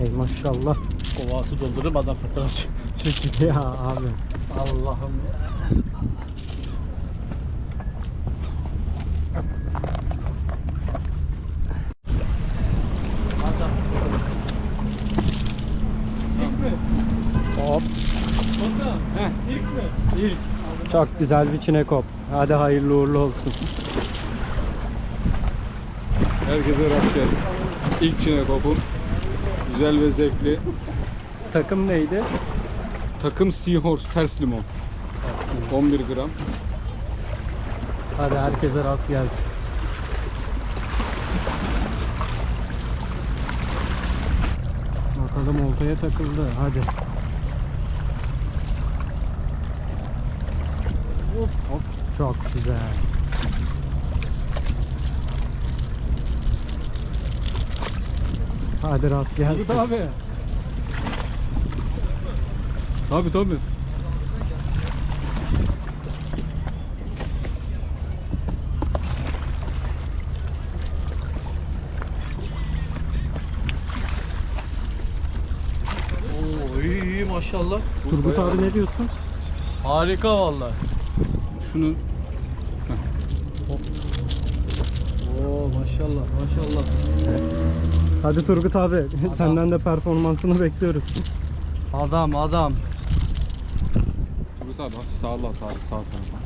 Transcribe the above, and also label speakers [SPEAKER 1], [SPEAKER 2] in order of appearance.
[SPEAKER 1] Ey maşallah.
[SPEAKER 2] Kova su doldurup adam fotoğraf çekiyor.
[SPEAKER 1] Ya abi.
[SPEAKER 2] Allah'ım ya.
[SPEAKER 1] Hop.
[SPEAKER 2] İlk mi? İlk.
[SPEAKER 1] Çok güzel bir çinekop. Hadi hayırlı uğurlu olsun.
[SPEAKER 3] Herkese rast gelsin. İlk çinekopum. Güzel ve zevkli.
[SPEAKER 1] Takım neydi?
[SPEAKER 3] Takım Seahorse ters limon. 11 gram.
[SPEAKER 1] Hadi herkese rast gelsin. Bakalım oltaya takıldı. Hadi. Hop hop. Çok güzel. Hadi rast gelsin.
[SPEAKER 3] Tabii. Tabii.
[SPEAKER 2] Oo iyi maşallah.
[SPEAKER 1] Turgut abi ne diyorsun?
[SPEAKER 2] Harika vallahi.
[SPEAKER 3] Şunu
[SPEAKER 2] Oo maşallah maşallah.
[SPEAKER 1] Hadi Turgut abi senden de performansını bekliyoruz.
[SPEAKER 2] Adam.
[SPEAKER 3] Turgut abi hafif sağla at abi sağ tarafa.